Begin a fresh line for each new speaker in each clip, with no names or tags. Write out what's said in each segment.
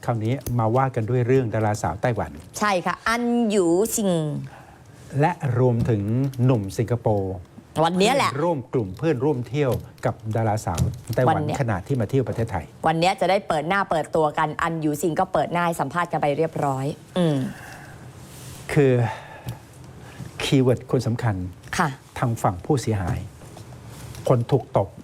คราวนี้มาว่ากันด้วยเรื่องดาราสาวไต้หวัน
ใช่ค่ะอันหยูซิง
และรวมถึงหนุ่มสิงคโปร์
วันนี้แหละ
ร่วมกลุ่มเพื่อนร่วมเที่ยวกับดาราสาวไต้หวันขณะที่มาเที่ยวประเทศไทย
วันนี้จะได้เปิดหน้าเปิดตัวกันอันหยูซิงก็เปิดหน้าให้สัมภาษณ์กันไปเรียบร้อย
คือคีย์เวิร์ดคนสำคัญ
ค่ะ
ทางฝั่งผู้เสียหายคนถูกตบ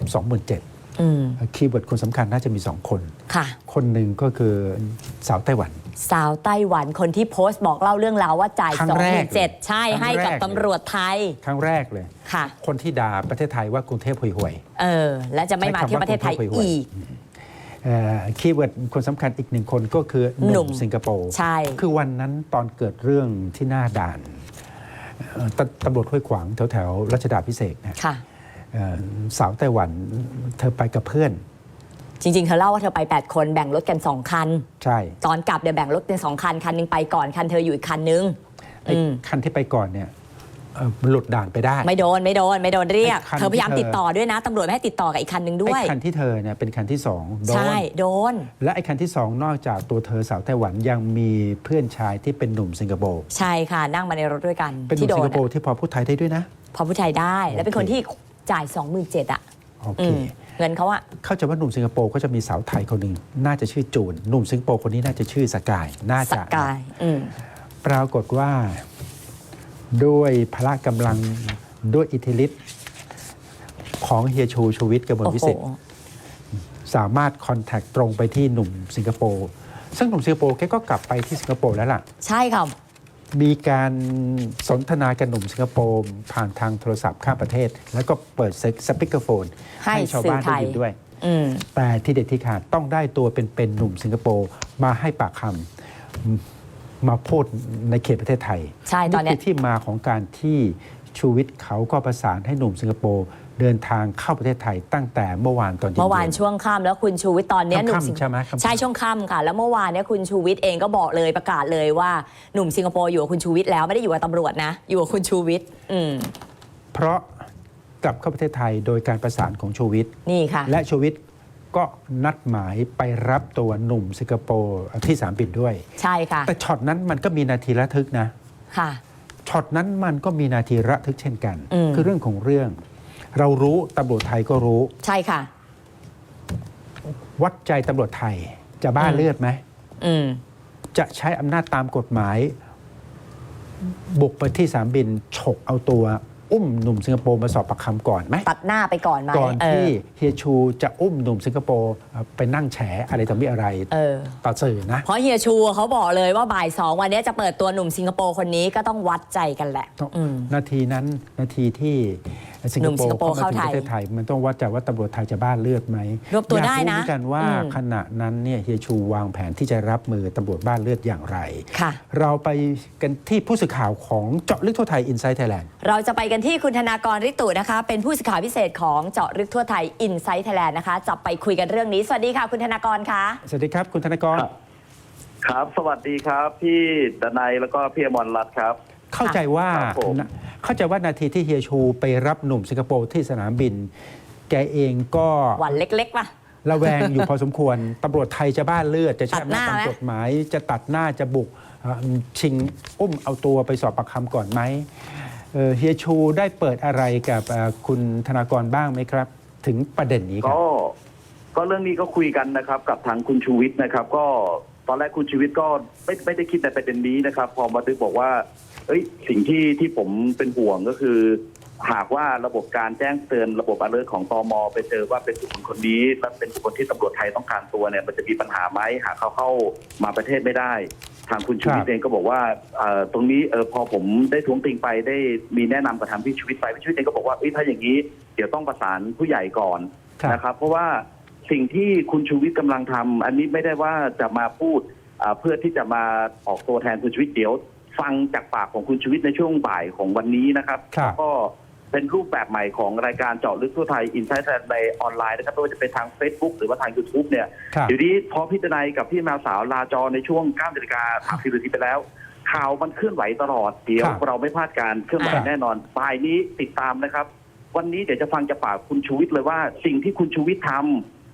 27,000คีย์เวิร์ดคนสำคัญน่าจะมี2คน
ค่ะ
คนหนึ่งก็คือสาวไต้หวัน
สาวไต้หวันคนที่โพสต์บอกเล่าเรื่องราวว่าจ่าย 27,000 ใช่ให้กับตำรวจไทย
ครั้งแรกเลย
ค่ะ
คนที่ด่าประเทศไทยว่ากรุงเทพห่วย
และจะไม่มาเที่ยวประเทศไทยอีก
คีย์เวิร์ดคนสำคัญอีกหนึ่งคนก็คือหนุ่มสิงคโปร์
ใช่
คือวันนั้นตอนเกิดเรื่องที่หน้าด่านตำรวจห้วยขวางแถวรัชดาภิเษกนะสาวไต้หวันเธอไปกับเพื่อน
จริงๆเธอเล่าว่าเธอไป8คนแบ่งรถกัน2คัน
ใช่
ตอนกลับเดี๋ยวแบ่งรถเป็น2คันนึงไปก่อนคันเธออยู่อีกคันนึง
คันที่ไปก่อนเนี่ยหลุดด่านไปได้
ไม่โดนเรียกเธอพยายามติดต่อด้วยนะตำรวจไม่ให้ติดต่อกับอีกคันนึงด้วย
คันที่เธอเนี่ยเป็นคันที่2โดน
ใช่โดน
และไอ้คันที่2นอกจากตัวเธอสาวไต้หวันยังมีเพื่อนชายที่เป็นหนุ่มสิงคโปร์
ใช่ค่ะนั่งมาในรถด้วยกัน
เป็นหนุ่มสิงคโปร์ที่พอพูดไทยได้ด้วยนะ
พอพูดไทยได้และเป็นคนที่จ่าย 27,000 อ่ะ
โอเค
เงินเขาอะ
เข้าใจว่าหนุ่มสิงคโปร์ก็จะมีสาวไทยคนหนึ่งน่าจะชื่อจูนหนุ่มสิงคโปร์คนนี้น่าจะชื่อสกายน่าจะ
สกาย
ปรากฏว่าด้วยพละกำลังด้วยอิทธิฤทธิ์ของเฮียชูวิทย์กมลวิสิทธิ์สามารถคอนแทคตรงไปที่หนุ่มสิงคโปร์ซึ่งหนุ่มสิงคโปร์แกก็กลับไปที่สิงคโปร์แล้วล่ะ
ใช่ครับ
มีการสนทนากับหนุ่มสิงคโปร์ผ่านทางโทรศัพท์ข้ามประเทศแล้วก็เปิดสปีกเกอร์โฟนให้ชาวบ้านได้ยินด้วยแต่ที่เด็ดที่ขาดต้องได้ตัวเป็นหนุ่มสิงคโปร์มาให้ปากคำมาพูดในเขตประเทศไทย
ใช่ตอนนี้
ที่มาของการที่ชูวิทย์เขาก็ประสานให้หนุ่มสิงคโปร์เดินทางเข้าประเทศไทยตั้งแต่เมื่อวานตอนเย็น
เมื่อวานช่วงค่ำแล้วคุณชูวิทย์ตอนนี้
หนุ่มใช่ไหม
ใช่ช่วงค่ำค่ะแล้วเมื่อวานนี้คุณชูวิทย์เองก็บอกเลยประกาศเลยว่าหนุ่มสิงคโปร์อยู่กับคุณชูวิทย์แล้วไม่ได้อยู่กับตำรวจนะอยู่กับคุณชูวิทย์
เพราะกลับเข้าประเทศไทยโดยการประสานของชูวิทย์
นี่ค่ะ
และชูวิทย์ก็นัดหมายไปรับตัวหนุ่มสิงคโปร์ที่สนามบินด้วย
ใช่ค่ะ
แต่ช็อตนั้นมันก็มีนาทีระทึกนะ
ค่ะ
ช็อตนั้นมันก็มีนาทีระทึกเช่นกันคือเรื่องของเรื่องเรารู้ตำรวจไทยก็รู้
ใช่ค่ะ
วัดใจตำรวจไทยจะบ้าเลือดไหมจะใช้อำนาจตามกฎหมายบุกไปที่สนามบินฉกเอาตัวอุ้มหนุ่มสิงคโปร์มาสอบปากคำก่อนไหม
ตัดหน้าไปก่อนไหม
ก่อนที่เฮียชูจะอุ้มหนุ่มสิงคโปร์ไปนั่งแฉอะไรต่อมีอะไรต่อสื่อนะ
เพราะเฮียชูเขาบอกเลยว่าบ่าย2วันนี้จะเปิดตัวหนุ่มสิงคโปร์คนนี้ก็ต้องวัดใจกันแหละ
นาทีนั้นนาทีที่สิงคโปร์เข้ามาถึงประเทศไทยมันต้องวัดใจว่าตำรวจไทยจะบ้าเลือดไหม
รวบตัวได้นะ
อยากรู้กันว่าขณะนั้นเนี่ยเฮียชูวางแผนที่จะรับมือตำรวจบ้าเลือดอย่างไรเราไปกันที่ผู้สื่อข่าวของเจาะลึกทั่วไทย Inside Thailand
เราจะไปกันที่คุณธนากร ฤทธิ์ตุนะคะเป็นผู้สื่อข่าวพิเศษของเจาะลึกทั่วไทย Inside Thailand นะคะจะไปคุยกันเรื่องนี้สวัสดีค่ะคุณธนากรคะ
สวัสดีครับคุณธนากร
ครับสวัสดีครับพี่ดนัยแล้วก็พี่อมรรัตน์ครับ
เข้าใจว่านาทีที่เฮียชูไปรับหนุ่มสิงคโปร์ที่สนามบินแกเองก็
หวั่นเล็กๆป่ะ
ระแวงอยู่พอสมควรตำรวจไทยจะบ้าเลือดจะใช้อำนาจตามกฎหมายจะตัดหน้าจะบุกชิงอุ้มเอาตัวไปสอบปากคำก่อนไหมเฮียชูได้เปิดอะไรกับคุณธนากรบ้างไหมครับถึงประเด็นนี้ครับ
ก็เรื่องนี้ก็คุยกันนะครับกับทางคุณชูวิทย์นะครับก็ตอนแรกคุณชูวิทย์ก็ไม่ได้คิดในประเด็นนี้นะครับพอมาตึกบอกว่าสิ่งที่ผมเป็นห่วงก็คือหากว่าระบบการแจ้งเตือนระบบalertของตม.ไปเจอว่าเป็นบุคคลคนนี้และเป็นบุคคลที่ตำรวจไทยต้องการตัวเนี่ยมันจะมีปัญหาไหมหากเขาเข้ามาประเทศไม่ได้ทางคุณชูวิทย์เองก็บอกว่าตรงนี้พอผมได้ท้วงติงไปได้มีแนะนำกับทางพี่ชูวิทย์ไปพี่ชูวิทย์เองก็บอกว่าถ้าอย่างนี้เดี๋ยวต้องประสานผู้ใหญ่ก่อนนะครับเพราะว่าสิ่งที่คุณชูวิทย์กำลังทำอันนี้ไม่ได้ว่าจะมาพูดเพื่อที่จะมาออกตัวแทนคุณชูวิทย์เดี๋ยวฟังจากปากของคุณชูวิทย์ในช่วงบ่ายของวันนี้นะครับก็เป็นรูปแบบใหม่ของรายการเจาะลึกทั่วไทย Inside Thailand ในออนไลน์นะครับไม่ว่าจะเป็นทาง Facebook หรือว่าทาง YouTube เนี่ยเดี๋ยวนี้พอพี่ดนัยกับพี่แมวสาวลาจอในช่วง 9:30 น.ไปแล้วข่าวมันเคลื่อนไหวตลอดเดี๋ยวเราไม่พลาดการเคลื่อนไหวแน่นอนบ่ายนี้ติดตามนะครับวันนี้เดี๋ยวจะฟังจากปากคุณชูวิทย์เลยว่าสิ่งที่คุณชูวิทย์ท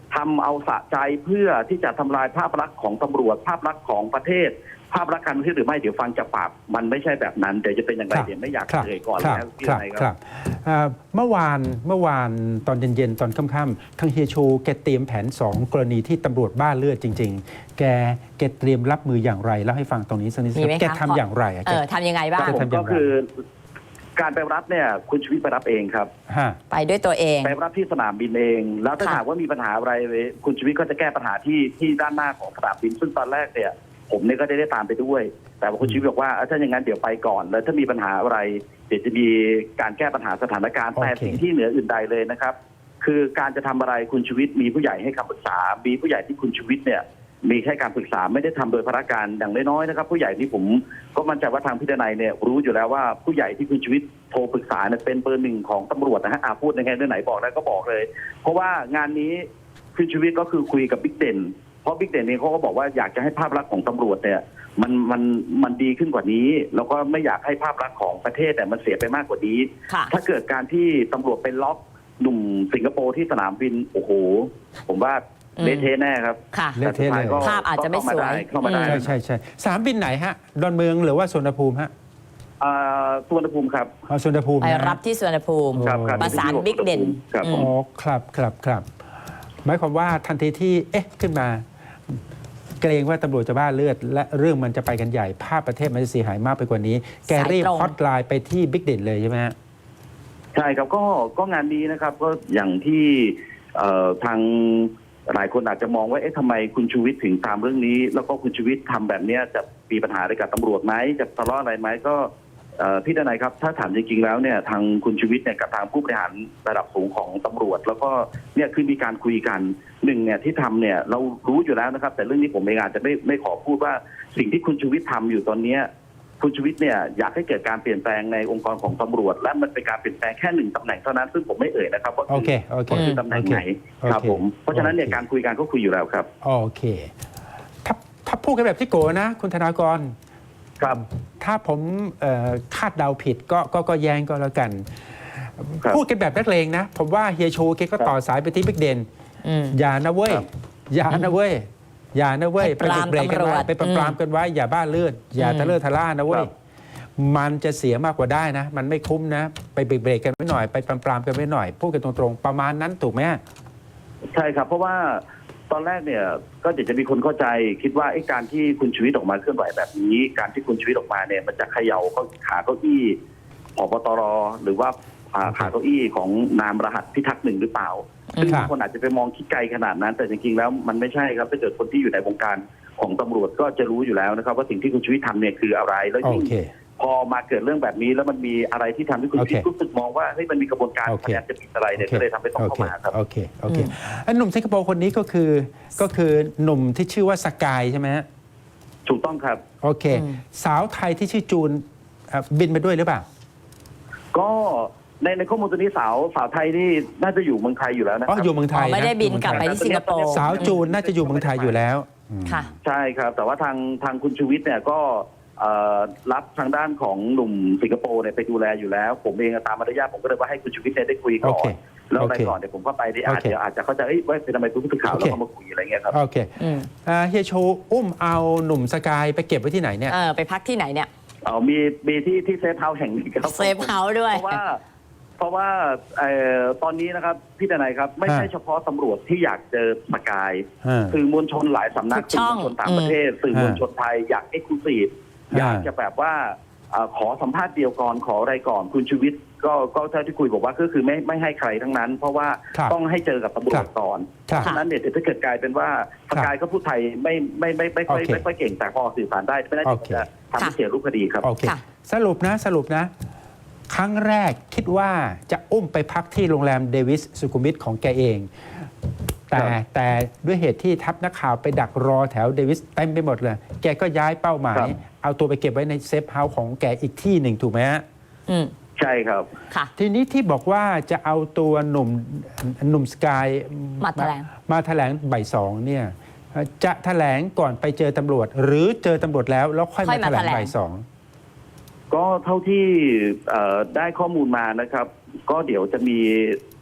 ทำเอาสะใจเพื่อที่จะทำลายภาพลักษณ์ของตำรวจภาพลักษณ์ของประเทศ ภาพลักษณ์การเมืองหรือไม่เดี๋ยวฟังจากปากมันไม่ใช่แบบนั้นเดี๋ยวจะเป็นอย่างไรเดี๋ยวไม่อยากเอ่ยก่อนแล้วพี่นายครับ
เมื่อวานตอนเย็นๆตอนค่ำๆทางเฮียชูแกเตรียมแผน 2 กรณีที่ตำรวจบ้าเลือดจริง ๆ แกเตรียมรับมืออย่างไรแล้วให้ฟังตรงนี้สักนิด
มีไหมคะ
แกทำอย่างไรอะแก
ทำยังไงบ้าง
จะทำอย่างไร
ก็คือการไปรับเนี่ยคุณชีวิตไปรับเองครับ
ฮะ
ไปด้วยตัวเอง
ไปรับที่สนามบินเอง แล้วถ้า
ค่ะ
หากว่ามีปัญหาอะไรคุณชีวิตก็จะแก้ปัญหาที่ด้านหน้าของสนามบินซึ่งตอนแรกเนี่ยผมเนี่ยก็ได้ตามไปด้วย แต่ว่าคุณชีวิตบอกว่าถ้าอย่างนั้นเดี๋ยวไปก่อน แล้วถ้ามีปัญหาอะไรเดี๋ยวจะมีการแก้ปัญหาสถานการณ์แต่สิ่งที่เหนืออื่นใดเลยนะครับ คือการจะทำอะไรคุณชีวิตมีผู้ใหญ่ให้คำปรึกษามีผู้ใหญ่ที่คุณชีวิตเนี่ยมีแค่การปรึกษาไม่ได้ทำโดยพระการอย่างน้อยๆนะครับผู้ใหญ่ที่ผมก็มั่นใจว่าทางพิจารณาเนี่ยรู้อยู่แล้วว่าผู้ใหญ่ที่คุณชีวิตโทรปรึกษาเนี่ยเป็นเบอร์หนึ่งของตำรวจนะฮะพูดยังไงเรื่องไหนบอกได้ก็บอกเลย เพราะว่างานนี้คุณชีวิตก็คือคุยกับบิ๊กเด่นเพราะบิ๊กเด่นเองเขาก็บอกว่าอยากจะให้ภาพลักษณ์ของตำรวจเนี่ยมันดีขึ้นกว่านี้แล้วก็ไม่อยากให้ภาพลักษณ์ของประเทศเนี่ยมันเสียไปมากกว่านี้
ค่ะ
ถ้าเกิดการที่ตำรวจไปล็อกหนุ่มสิงคโปร์ที่สนามบินโอ้โหผมว่าเละเทะแน่ครับ
ค่ะ
เละเทะเลย
ก็
ภาพอาจจะไม่สวย
เข้ามาได้
ใช่สนามบินไหนฮะดอนเมืองหรือว่าสุวรรณภูมิฮะ
สุวรรณภูมิครับ
สุวรรณภูมิ
ไป
นะ
รับที่สุวรรณภูมิ
ครับ
ประสานบิ๊กเด่น
ครับ
อื
ผม
ม
อ๋อครับหมายความว่าทันทีที่ขึ้นมา เกรงว่าตำรวจจะบ้าเลือด และเรื่องมันจะไปกันใหญ่ภาพประเทศมันจะเสียหายมากไปกว่านี้ แกรีบ
สายตรง
ฮอตไลน์ไปที่บิ๊กเด่นเลยใช่ไหมฮะ
ใช่ครับก็งานนี้นะครับก็อย่างที่ทางหลายคนอาจจะมองว่าทำไมคุณชูวิทย์ถึงตามเรื่องนี้ แล้วก็คุณชูวิทย์ทำแบบนี้จะมีปัญหาอะไรกับตำรวจไหมจะทะเลาะอะไรไหมก็พี่ดนัยครับถ้าถามจริงๆแล้วเนี่ยทางคุณชูวิทย์เนี่ยกับทางผู้บริหารระดับสูงของตำรวจ แล้วก็เนี่ยคือมีการคุยกันหนึ่งเนี่ยที่ทำเนี่ยเรารู้อยู่แล้วนะครับแต่เรื่องนี้ผมเองอาจจะไม่ขอพูดว่าสิ่งที่คุณชูวิทย์ทำอยู่ตอนเนี้ยคุณชูวิทย์เนี่ยอยากให้เกิดการเปลี่ยนแปลงในองค์กรของตำรวจและมันเป็นการเปลี่ยนแปลงแค่หนึ่งตำแหน่งเท่านั้นซึ่งผมไม่เอ่ยนะครับว่า
โอเค
คือตำแหน่งไหนครับผมเพราะฉะนั้นเนี่ยการคุยกันก็คุยอยู่แล้วครับ
โอเคถ้าพูดกันแบบที่โกนะคุณธนากร
ครับ
ถ้าผมคาดเดาผิดก็แย้งก็แล้วกัน
ครับ
พูดกันแบบนักเลงนะ ผมว่าเฮียชูแกก็ต่อสายไปที่บิ๊กเด่น
อืม
อย่านะเว้ย
ครับ
อย่านะเว้ยอย่านะเว้ย
ไปปราม
เบรกกันไว้
ตำรวจ
ไปปรามกันไว้อย่าบ้าเลือดอย่า
อืม
ทะเลาะทะล่านะเว้
ค
ย
รับ
มันจะเสียมากกว่าได้นะ มันไม่คุ้มนะ ไปเบรกกันไว้หน่อยไปปรามกันไว้หน่อยพูดกันตรงๆประมาณนั้นถูกไหม
ใช่ครับเพราะว่าตอนแรกเนี่ยก็จะมีคนเข้าใจคิดว่าการที่คุณชีวิตออกมาเคลื่อนไหวแบบนี้ การที่คุณชีวิตออกมาเนี่ยมันจะเขย่าขาเก้าอี้ผบตรหรือว่าขาเก้าอี้ของนามรหัสพิทักษ์หนึ่งหรือเปล่าซึ่ง
ครับ
บางคนอาจจะไปมองคิดไกลขนาดนั้น แต่จริงๆแล้วมันไม่ใช่ครับถ้าเกิดคนที่อยู่ในวงการของตำรวจก็จะรู้อยู่แล้วนะครับว่าสิ่งที่คุณชีวิตทำเนี่ยคืออะไรแล้ว
โอ
ยิ่ง
เค
พอมาเกิดเรื่องแบบนี้แล้วมันมีอะไรที่ทำให้คุณชีวิต
โอเค
รู้สึกมองว่าเฮ้ยมันมีกระบวนการ
โอ
พ
เค
ยายามจะผิดอะไรเนี่ยก็เลยทำให้ต้องเข้ามาครับ
โอเคอันหนุ่มสิงคโปร์คนนี้ก็คือหนุ่มที่ชื่อว่าสกายใช่ไหมฮะ
ถูกต้องครับ
โอเค สาวไทยที่ชื่อจูนบินไปด้วยหรือเปล่า
ก็ในข้อมูลตัวนี้สาวไทยนี่น่าจะอยู่เมืองไทยอยู่แล้วนะค
อ๋อ
รับ
อยู่เมืองไทย
ไม่ได้บินกลับไป
นะ
ที่สิงคโปร์
สาวจูนน่าจะอยู่เมืองไทยอยู่แล้ว
ค่ะ
ใช่ครับ แต่ว่าทางคุณชูวิทย์เนี่ยก็รับทางด้านของหนุ่มสิงคโปร์เนี่ยไปดูแลอยู่แล้ว ผมเองตามมารยาทผมก็เลยว่าให้คุณชูวิทย์เนี่ยได้คุยก่อนแล้วอะไรก่อนเดี๋ยวผมก็ไปได้อาจจะเข้าใจว่าเป็นทำไมคุณผู้สื่อข่าวแล้วเขามาคุยอะไรเงี้ยครับ
โอเค
อืม
เฮียโชอุ้มเอาหนุ่มสกายไปเก็บไว้ที่ไหนเนี่ย
ไปพักที่ไหนเนี่ย
มีที่เซฟเฮาส์แห่งนี้ครับ
เซฟเฮาส์ด้วย
เพราะว่าตอนนี้นะครับพี่ดนัยครับไม่ใช่เฉพาะตำรวจที่อยากเจอสกายสื่อมวลชนหลายสำนัก
ทุกช่
สื่อ
อง
มวลชนต่างประเทศสื่อมวลชนไทยอยากเอ็กซ์คลูซีฟอยากจะแบบว่าขอสัมภาษณ์เดียวก่อนขออะไรก่อนคุณชูวิทย์ก็เท่าที่คุยบอกว่าก็คือไม่ให้ใครทั้งนั้น เพราะว่าต้องให้เจอกับตำรวจก่อนเพราะฉะนั้นเนี่ยถ้าเกิดกลายเป็นว่าสกายก็พูดไทยไม่ค่อยเก่งแต่พอสื่อสารได้ไม่น่าจะทำให้เสียรูปคดีครับ
โอเคสรุปนะครั้งแรกคิดว่าจะอุ้มไปพักที่โรงแรมเดวิสสุขุมวิทของแกเอง แต่ด้วยเหตุที่ทัพนักข่าวไปดักรอแถวเดวิสเต็มไปหมดเลย แกก็ย้ายเป้าหมาย เอาตัวไปเก็บไว้ในเซฟเฮาส์ของแกอีกที่หนึ่งถูกไหมฮะ
ใช่ครับ
ค่ะ
ทีนี้ที่บอกว่าจะเอาตัวหนุ่มสกาย
มาแถลง
บ่ายสองเนี่ยจะแถลงก่อนไปเจอตำรวจ หรือเจอตำรวจแล้วค่อยมาแถลงบ่ายสอง
ก็เท่าที่ได้ข้อมูลมานะครับ ก็เดี๋ยวจะมี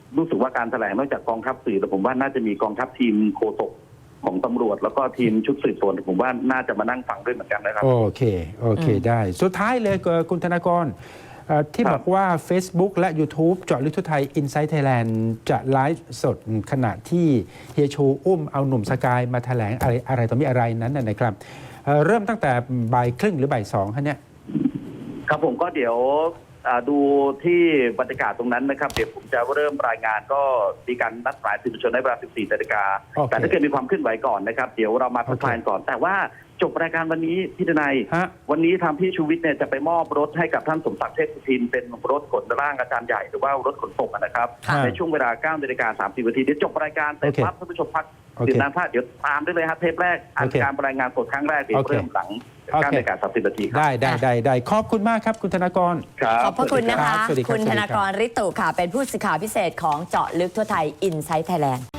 รู้สึกว่าการแถลงนอกจากกองทัพสื่อแต่ผมว่าน่าจะมีกองทัพทีมโฆษกของตำรวจ แล้วก็ทีมชุดสืบสวนผมว่าน่าจะมานั่งฟังด้วยเหมือนกันนะครับ
โอเคได้สุดท้ายเลยคุณธนากรที่
ครับ
บอกว่า Facebook และ YouTube เจาะลึกทั่วไทย Inside Thailand จะไลฟ์สดขณะที่เฮียชูอุ้มเอาหนุ่มสกายมาแถลงอะไรต่อมีอะไรนั้นนะครับเริ่มตั้งแต่บ่ายครึ่งหรือบ่ายสองฮะเนี่ย
ครับผมก็เดี๋ยวดูที่บรรยากาศตรงนั้นนะครับเดี๋ยวผมจะเริ่มรายงานก็มีการนัดหมายสื่อมวลชนในเวลา 14 นาฬิกา
โอเค
แต่ถ้าเกิดมีความเคลื่อนไหวก่อนนะครับเดี๋ยวเรามาทักทายก่อน แต่ว่าจบรายการวันนี้พี่ทนาย
ฮะ
วันนี้ทางพี่ชูวิทย์เนี่ยจะไปมอบรถให้กับท่านสมศักดิ์เทพสุทินเป็นรถขนร่างอาจารย์ใหญ่หรือว่ารถขนส่งนะครับ
ค่ะ
ในช่วงเวลา 9 นาฬิกา 30 นาทีเดี๋ยวจบรายการแต่
โอเค
ปั๊บท่านผู้ชมพัก
โอเค
ดื่มน้ำท่าเดี๋ยวตามได้เลยครับเทปแรกอัน
โอเค
การรายงานสดครั้งแรกเดี๋ยว
โอเค
เริ่มหลัง
โอเค
9 นาฬิกา 30 นาทีครับ
ได้ขอบคุณมากครับคุณธนากร
ครับ
ขอบพระคุณนะคะ
สวัสดีครับ
คุณธนากรฤทธิ์ตุค่ะ เป็นผู้สื่อข่าวพิเศษของเจาะลึกทั่วไทย Inside Thailand